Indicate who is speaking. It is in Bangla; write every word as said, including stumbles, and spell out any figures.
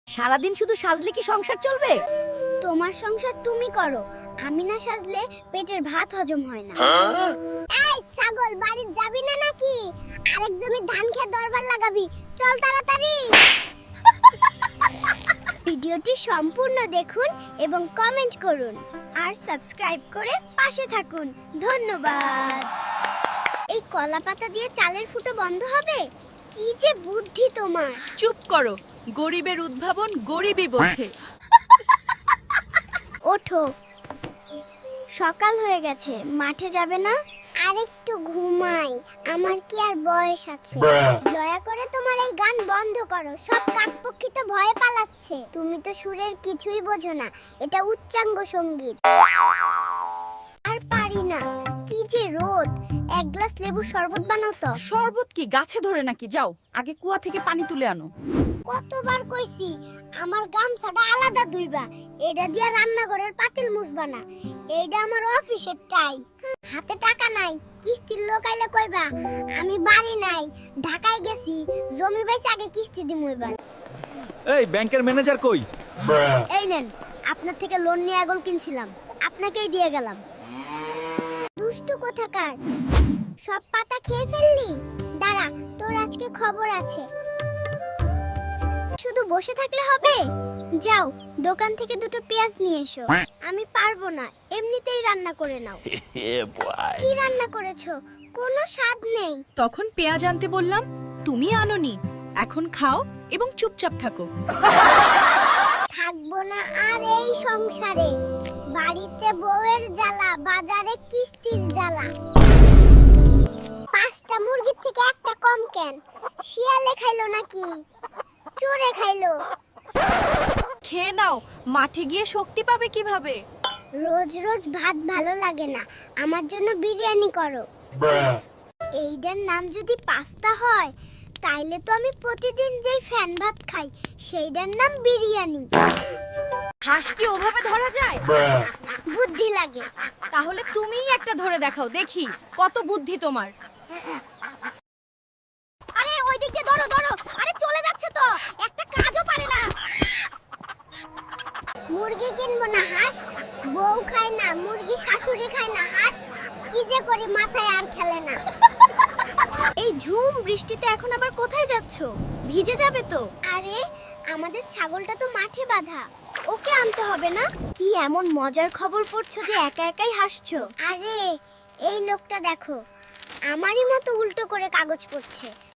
Speaker 1: সারাদিন শুধু সাজলে কি সংসার চলবে?
Speaker 2: তোমার সংসার তুমি করো, আমি না সাজলে পেটের ভাত হজম হয় না। এই ছাগল, বাড়ি যাবি না নাকি? আরেক জমি ধান খেয়ে দরবার লাগাবি, চল তাড়াতাড়ি। ভিডিওটি সম্পূর্ণ দেখুন এবং কমেন্ট করুন আর সাবস্ক্রাইব করে পাশে থাকুন। ধন্যবাদ। এই কলা পাতা দিয়ে চালের ফুটো বন্ধ হবে? কি যে বুদ্ধি তোমার!
Speaker 1: চুপ করো, গরিবের উদ্ভাবন গরিবই বোঝে।
Speaker 2: ওঠো, সকাল হয়ে গেছে, মাঠে যাবে না? আরেকটু ঘুমাই, আমার কি আর বয়স আছে? দয়া করে তোমার এই গান বন্ধ করো, সব কাকপক্ষী তো ভয়ে পালাচ্ছে। তুমি তো সুরের কিছুই বোঝো না, এটা উচ্চাঙ্গ সঙ্গীত। আর পারি না, কি যে রোদ! এক গ্লাস লেবু শরবত বানাও তো।
Speaker 1: শরবত কি গাছে ধরে নাকি? যাও আগে কুয়া থেকে পানি তুলে আনো।
Speaker 2: কতবার কইছি আমার গামছাটা আলাদা ধুইবা, এটা দিয়া রান্নাঘরের পাতিল মুছবা না। এইটা আমার অফিসের টাই। হাতে টাকা নাই, কিস্তির লোক আইলে কইবা আমি বাড়ি নাই, ঢাকায় গেছি, জমি বেচে আগে কিস্তি দিমু এবার।
Speaker 3: এই ব্যাংকের ম্যানেজার কই?
Speaker 2: এই নেন, আপনার থেকে লোন নিয়ে আগল কিনছিলাম, আপনাকেই দিয়ে গেলাম। দুষ্টু কোথাকার, সব পাতা খেয়ে ফেললি? দাঁড়া, তোর আজকে খবর আছে। শুধু বসে থাকলে হবে? যাও দোকান থেকে দুটো পেঁয়াজ নিয়ে এসো। আমি পারবো না, এমনিতেই রান্না করে নাও। কি রান্না করেছো? কোনো স্বাদ নেই।
Speaker 1: তখন পেঁয়াজ আনতে বললাম, তুমি আনোনি। এখন খাও এবং চুপচাপ থাকো।
Speaker 2: থাকবো না আর এই সংসারে। বাড়িতে বউয়ের জ্বালা, বাজারে কিস্তির জ্বালা। পাঁচটা মুরগির থেকে একটা কম কেন? শিয়ালে খাইলো নাকি চোরে খাইলো?
Speaker 1: খেয়ে নাও, মাঠে গিয়ে শক্তি পাবে কিভাবে?
Speaker 2: রোজ রোজ ভাত ভালো লাগে না, আমার জন্য বিরিয়ানি করো। এইটার নাম যদি পাস্তা হয়, তাইলে তো আমি প্রতিদিন যেই ফ্যান ভাত খাই সেইটার নাম বিরিয়ানি।
Speaker 1: হাঁস কি ওভাবে ধরা যায়?
Speaker 2: বুদ্ধি লাগে।
Speaker 1: তাহলে তুমিই একটা ধরে দেখাও, দেখি কত বুদ্ধি তোমার।
Speaker 2: আরে ওই দিক দিয়ে ধরো ধরো, আরে চলে যাচ্ছে তো, একটা কাজও পারে না। মুরগি কিনবো না হাঁস, বউ খায় না মুরগি, শাশুড়ি খায় না হাঁস, কি যে করি মাথায় আর খেলে না।
Speaker 1: এই ঝুম বৃষ্টিতে এখন আবার কোথায় যাচ্ছো? ভিজে যাবে তো।
Speaker 2: আরে আমাদের ছাগলটা তো মাঠে বাঁধা, ওকে আনতে হবে না?
Speaker 1: কি এমন মজার খবর পড়ছো যে একা একাই হাসছো?
Speaker 2: আরে এই লোকটা দেখো, আমারই মতো উল্টো করে কাগজ পড়ছে।